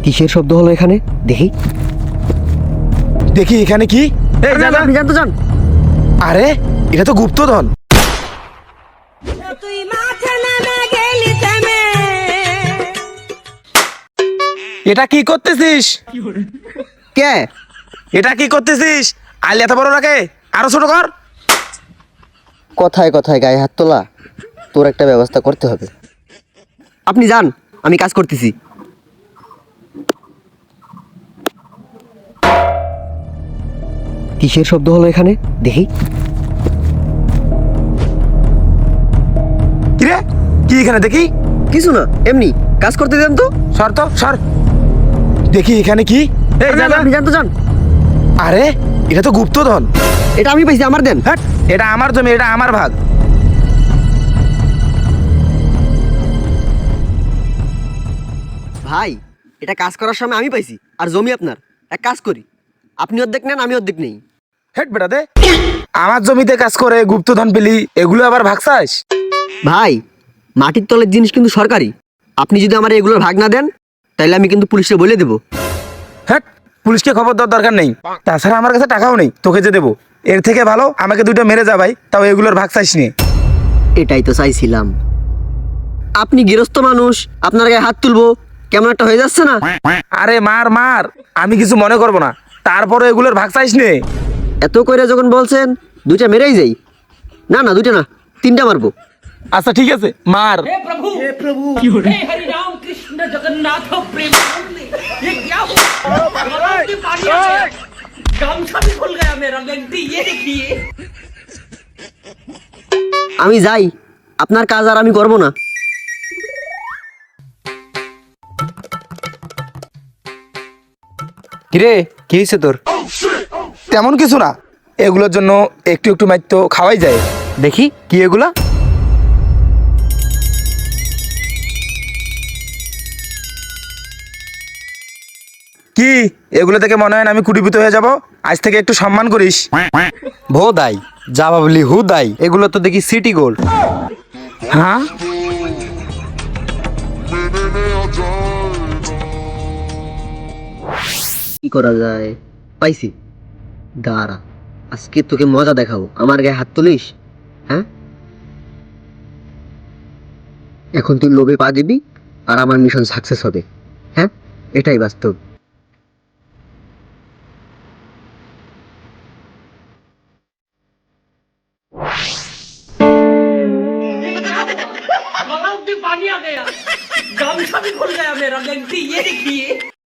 কিসের শব্দ হলো এখানে? দেখি দেখি এখানে কি? এই আরে, জানা, আপনি জানতো যান। আরে এটা তো গুপ্তধন। তুই মাঠে নেমে গেলি থেমে এটা কি করতেছিস? কে? এটা কি করতেছিস? আইলে এত বড় রাখে, আরো ছোট কর। কথায় কথায় গায়ে হাত তোলা, তোর একটা ব্যবস্থা করতে হবে। আপনি যান, আমি কাজ করতেছি। কিসের শব্দ হলো এখানে? দেখি কি রে? কি এখানে দেখি? কিছু না, এমনি কাজ করতে দেন তো। সর তো সর। দেখি এখানে কি? এই আরে, জানা, আপনি জানতো যান। আরে এটা তো গুপ্তধন। এটা আমি পাইছি, আমার দেন। হ্যাট, এটা আমার জমি, এটা আমার ভাগ। ভাই, এটা কাজ করার সময় আমি পাইছি, আর জমি আপনার। এক কাজ করি, আপনি অর্ধেক নেন, আমি অর্ধেক নেই। হেট বেটা দে। আমার জমিতে কাজ করে গুপ্তধন পেলি, এগুলো আবার ভাগ চাস? ভাই, মাটির তলের জিনিস কিন্তু সরকারি। আপনি যদি আমার এগুলোর ভাগ না দেন, তাহলে আমি কিন্তু পুলিশে বলে দেবো। হ্যাট, পুলিশকে খবর দেওয়ার দরকার নেই। তাছাড়া আমার কাছে টাকাও নেই তোকে যে দেবো। এর থেকে ভালো আমাকে দুটো মেরে যা ভাই, তাও এগুলোর ভাগ চাইস নি। এটাই তো চাইছিলাম। আপনি গৃহস্থ মানুষ, আপনার গায়ে হাত তুলবো, কেমন একটা হয়ে যাচ্ছে না? আরে মার মার, আমি কিছু মনে করবো না, তারপরে এগুলোর ভাগ চাইস নে। এত করে যখন বলছেন, দুইটা মেরেই যাই। না না, দুইটা না, তিনটা মারবো। আচ্ছা ঠিক আছে, মার। हे प्रभु हे हरि राम कृष्ण जगन्नाथ प्रेमानंद ये क्या हुआ गलाव में पानी आ गया गामछा भी खुल गया मेरा गंती ये देखिए আমি যাই, আপনার কাজ আর আমি করবো না। কিরে, কি হয়েছে তোর? তেমন কিছু না, এগুলোর জন্য একটু একটু মাইর তো খাওয়াই যায়। দেখি কি এগুলা? কি এগুলো থেকে মনে হয় না আমি কুটিপুত হয়ে যাব? আজ থেকে একটু সম্মান করিস। ভোদাই, যা ভাবলি হুদাই, এগুলো তো দেখি সিটি গোল্ড। হ্যাঁ, কি করা যায়? পাইছি, দাঁড়া, আজকে তোকে মজা দেখাবো। আমার গায়ে হাত তুলিস? হ্যাঁ, এখন তুই লোভে পা দিবি, আর আমার মিশন সাকসেস হবে। হ্যাঁ, এটাই বাস্তব। गलाव में पानी आ गया गामछा भी खुल गया मेरा गंती ये देखिए